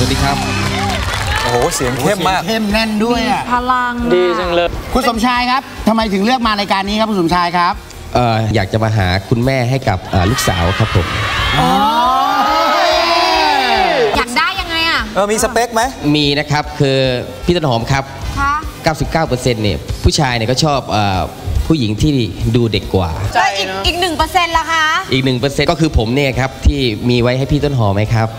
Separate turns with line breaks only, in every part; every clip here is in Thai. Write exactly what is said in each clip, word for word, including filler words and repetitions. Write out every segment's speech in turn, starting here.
วัสดีครับ
โอ้โหเสียงเข้มมาก
เข้มแน่นด้วยอ่ะ
พลัง
ดีจังเลย
คุณสมชายครับทำไมถึงเลือกมารายการนี้ครับคุณสมชายครับ
เอ่ออยากจะมาหาคุณแม่ให้กับลูกสาวครับผม
อยากได้ยังไงอ่ะ
เออมีสเปคไหม
มีนะครับคือพี่ต้นหอมครับ
ค่ะ
เก้าสิบเก้าเปอร์เซ็นต์ เนี่ยผู้ชายเนี่ยก็ชอบผู้หญิงที่ดูเด็กกว่า
แล้วอีกอีกหนึ่งเปอร์เซ็นต์ล่ะคะ
อีกหนึ่งเปอร์เซ็นต์ก็คือผมเนี่ยครับที่มีไว้ให้พี่ต้นหอมไหมครับ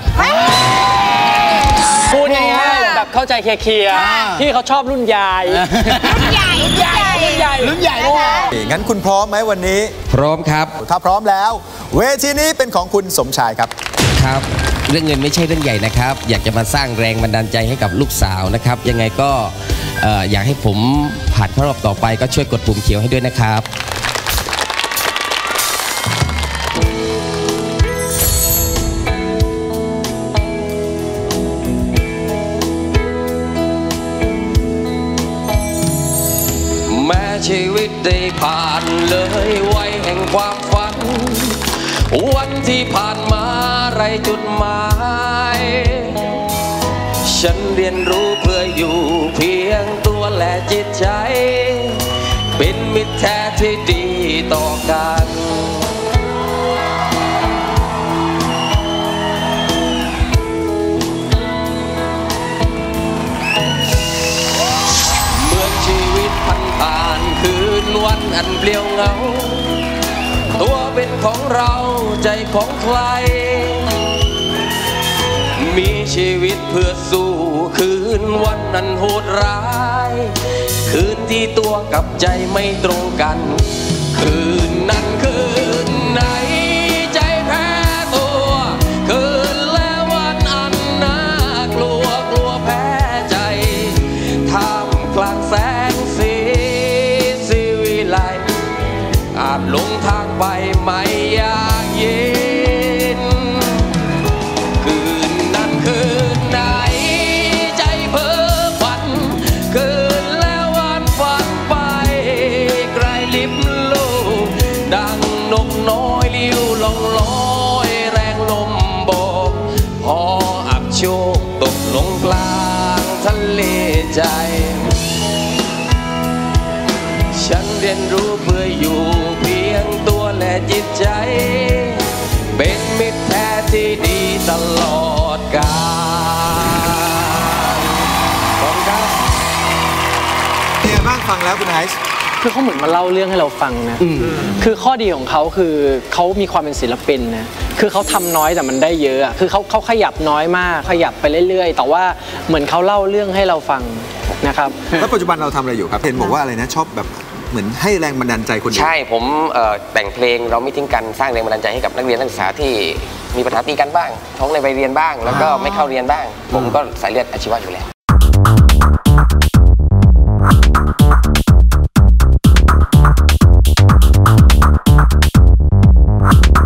พูดง่ายๆแบบเข้าใจเคลียร์ๆที่เขาชอบรุ่นยาย
รุ่นใหญ่รุ่นใหญ่
รุ่นใหญ่
รุ่นใหญ่เลย
งั้นคุณพร้อมไหมวันนี้
พร้อมครับ
ถ้าพร้อมแล้วเวทีนี้เป็นของคุณสมชายครับ
ครับเรื่องเงินไม่ใช่เรื่องใหญ่นะครับอยากจะมาสร้างแรงบันดาลใจให้กับลูกสาวนะครับยังไงก็อยากให้ผมผ่านเข้ารอบต่อไปก็ช่วยกดปุ่มเขียวให้ด้วยนะครับแม้ชีวิตได้ผ่านเลยวัยแห่งความฝันวันที่ผ่านมาไรจุดหมายฉันเรียนรู้เพื่ออยู่เพียงตัวและจิตใจเป็นมิตรแท้ที่ดีต่อกันเมื่อชีวิตผ่านผ่านคืนวันอันเปลี่ยวเหงาตัวเป็นของเราใจของใครมีชีวิตเพื่อสู้คืนวันนั้นโหดร้ายคืนที่ตัวกับใจไม่ตรงกันคืนนั้นคืนไหนใจแพ้ตัวคืนแล้ววันอันน่ากลัวกลัวแพ้ใจท่ามกลางแสงสีสีวิไลอาจหลงทางไปไม่อยากยินคืนนั้นคืนไหนใจเพ้อฝันคืนแล้ววันฝันไปไกลลิบลูกดังนกน้อยลิ้วลองลอยแรงลมโบกพออับโชคตกลงกลางทะเลใจฉันเรียนรู้เพื่ออยู่เพียงตัวและจิตใจเป็นมิตรแท้ที่ดีตลอดกาลขอบคุณครับ
เนี่ยบ้างฟังแล้วคุณไอซ์
คือเขาเหมือนมาเล่าเรื่องให้เราฟังนะคือข้อดีของเขาคือเขามีความเป็นศิลปินนะคือเขาทำน้อยแต่มันได้เยอะคือเขาเขาขยับน้อยมากขยับไปเรื่อยๆแต่ว่าเหมือนเขาเล่าเรื่องให้เราฟังนะครับ
แล้วปัจจุบันเราทำอะไรอยู่ครับเห็นบอกว่าอะไรนะชอบแบบเหมือนให้แรงบันดาลใจคนอื่น
ใช่ผมแต่งเพลงเราไม่ทิ้งกันสร้างแรงบันดาลใจให้กับนักเรียนนักศึกษาที่มีปัญหาตีกันบ้างท้องในใบเรียนบ้างแล้วก็ไม่เข้าเรียนบ้างผมก็สายเลือดอาชีวะอยู่แล้ว